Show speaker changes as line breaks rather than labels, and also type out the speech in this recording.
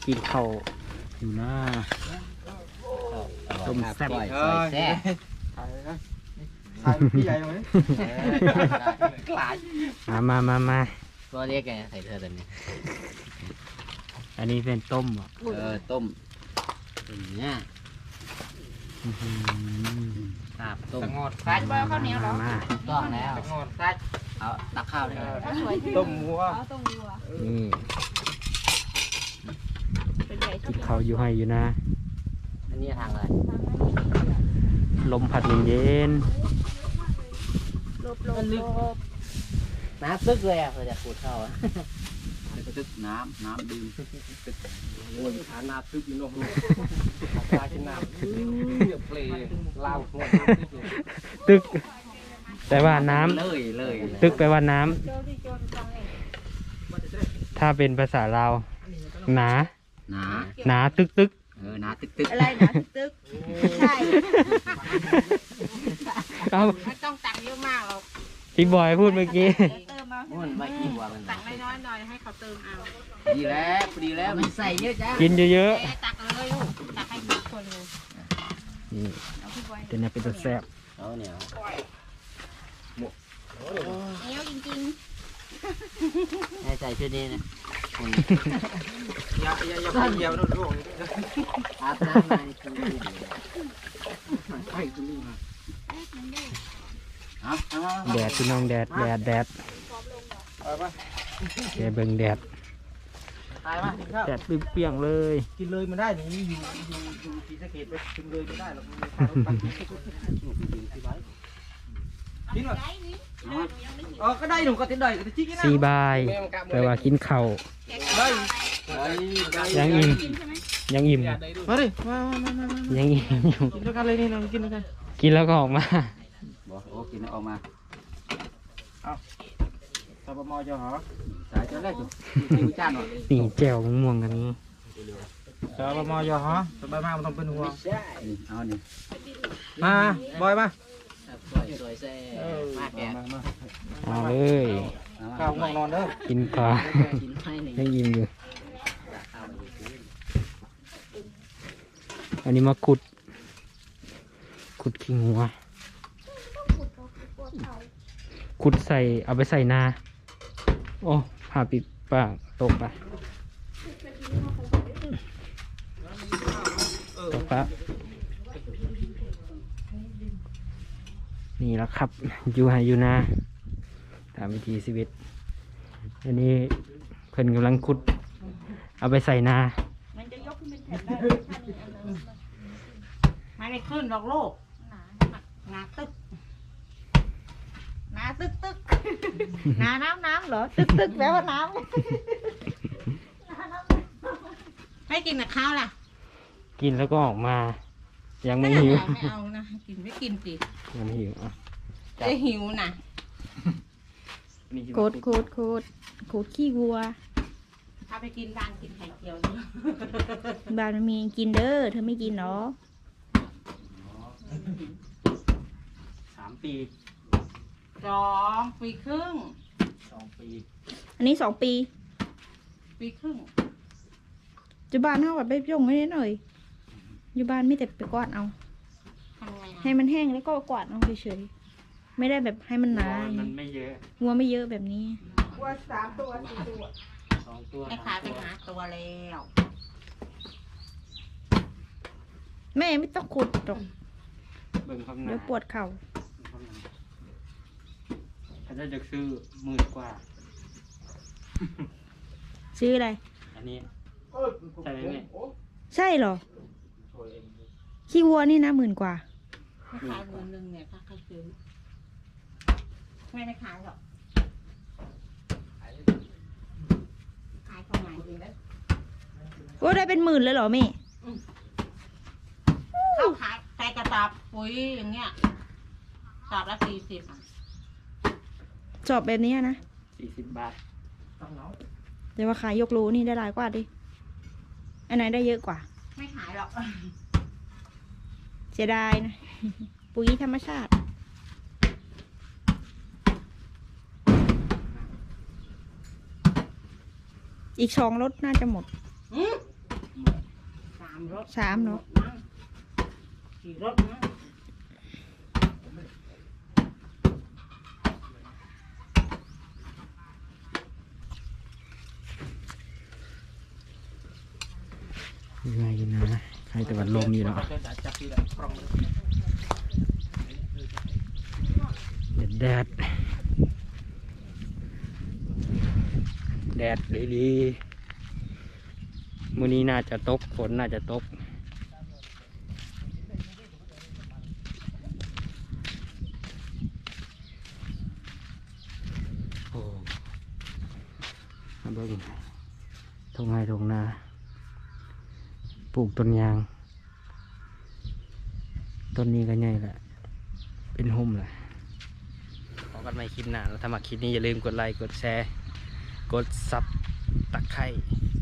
กินข้าวอยู่นะต้มแซ่บ
ซอยแซ่บ
พี่ใหญ่ไหมกลาย
มา
ก็เรียกไงใส่เธอตัวนี้
อันนี้เป็นต้มอ่ะ
ต้มอย่างเงี้ยลาบต้ม
งอดซัด
ข้าวเหนียวเหรอ
มา
ต้องแล้ว
งอดซัด
เอาตักข้าวเลย
ต้มวัว
ต้มวัว
นี่
เป็นใหญ่
กินข้าวอยู่ให้อยู่นะ
อันนี้ทางอะไร
ลมพัดเย็น
ลบ
น้ำซึกเลยอ่ะเพื่อจะขูดข้าวอ่ะ
ตึกน้ำดื่มวนขาน้ำตึกอยู่นอกปลากินน้ำเดือดเปลลาวหัว
ๆตึกแปลว่าน้ำ
เลย
ตึกแปลว่าน้ำ
โจที่โจที่จังเลย
ถ้าเป็นภาษาลาวหนา
หนา
หนาตึก
หนาตึก
อะไรนะตึกใช่
เอา
ไม่ต้องตักเยอะมากหรอก
พี่บอยพูดเมื่อกี้
เติมเอา
มันไม่กี่หัวมัน
ตักน้อยๆหน่อยให้เขาเติมเอา
ดีแล้วมันใส่เยอะจ้ะ
กินเยอะ
ตักเลยลูกตักให้ทุกคนเลย
ๆนี่
เอาพี่บอย
เป็นอะไรเป็นตัวแซ่บ
เอาเหนียว
เหนียวจริง
ให้ใส่ชุดนี้นะ
อย่าไปเยี่ยวนู่นร่วง
อาบน้ำมาชุดนี้
ไปตรงนี้มา
แดดพี่น้องแดด
ไปปะ
เดี๋ยวเบิ่งแดด
ตายปะกินข้าว
แดดเปรี้ยงๆเลย
กินเลยมันได้นี่อยู่ศรีสะเกษไปกินเลยไม่ได้หรอกกินหรอก็ได้หนูก็ติดได้ก็จิ๊กนะ
ซีบายแปลว่ากินข้าว
ได้
ยังอิ่มยังอิ่ม
มาดิมา
ยังอิ่มอยู่
กินด้วยกันเลยนี่นะกินด้วยกัน
กินแล้วก็ออกมา
บอกโอ้กินออกมา
ตบมอจะหรอ
สายจนแรกอยู่กินจานหน่อย
นี่แจ่วมะม่วงกันนี้
ตบมอจะหรอสบายมากมันต้องเป็นหัว
เอานี่
มาบอยมา
สวยแซ่มากแก
มา
เอาเลย
ข้าวง่วงนอนเด้อ
กินก่อน
กินให้หนึ่ง
ยังอิ่มอยู่อันนี้มาขุดขี้งัวขุดใส่เอาไปใส่นาโอ้ผ่าปิดปากตกไปตกปะนี่แล้วครับอยู่ไหอยู่นาตามวิธีชีวิตอันนี้เพิ่นกำลังขุดเอาไปใส่นา
ๆมันจะยกขึ้นเป็นแผ่นได้ไม่ได้ขึ้นหรอกลูกหนาตึกหนาตึกหนาน้ำเหรอตึกแปลว่าน้ำให้กินกับข้าวล่ะ
กินแล้วก็ออกมา ยังไม่หิว
ไม่เอานะกินไม่กินสิ
ยังไม่หิวอ่ะ
จะหิวนะโคตรขี้วัวถ้าไปกินบ้านกินไข่เจียวนี่บ้านมันมีกินเด้อเธอไม่กินเนาะ
3 ปี
2 ปีครึ่ง
2 ปี
อันนี้2 ปีครึ่งจุบ้านเท่ากับไปย่งไม่ได้หน่อยอยู่บ้านไม่แต่ไปกวาดเอาให้มันแห้งแล้วก็กวาดเอาเฉยๆไม่ได้แบบให้มันหนา
มันไม่เยอะ
วัวไม่เยอะแบบนี้
วัว3 ตัว 4 ตัว
2 ตัว
ไอ้ขายไปหาตัวแล้วแม่ไม่ต้องขุดหรอก
เบิ่งข้างห
เดี๋
น้า
ยวปวดเข่า
ถ้าจะซื้อ10,000 กว่า
ซื้ออะไร
อันนี้ ใช่ไหมแม่
ใช่เหรอขี้วัวนี่นะ10,000 กว่าขาย10,000เนี่ยถ้าใครซื้อไม่ขายหรอกขายของไหนดีแล้วโอ้ได้เป็น10,000เลยเหรอแม่เขาขายใส่กระสอบปุ๋ยอย่างเงี้ยสอบละ40สอบแบบนี้นะ
40 บาท
แต่ว่าขายยกโลนี่ได้หลายกว่าดิอันไหนได้เยอะกว่า ไม่ขายหรอกเสียดายนะ ปุ๋ยธรรมชาติ อีก2 รถน่าจะหมดสามเนาะ
ขี่รถนะ
ยังไงนะใครแต่วันลมอยู่เนาะ
จับที่ละปรอง
แดดแดดดีๆมื้อนี้น่าจะตกฝนน่าจะตกโอ้มาเบิ่งทงไห้ทงนาปลูกต้นยางต้นนี้ก็ใหญ่แหละเป็นห่มแหละพบกันใหม่คลิปหน้าแล้วถ้ามาคลิปนี้อย่าลืมกดไลค์กดแชร์กดซับตะไคร้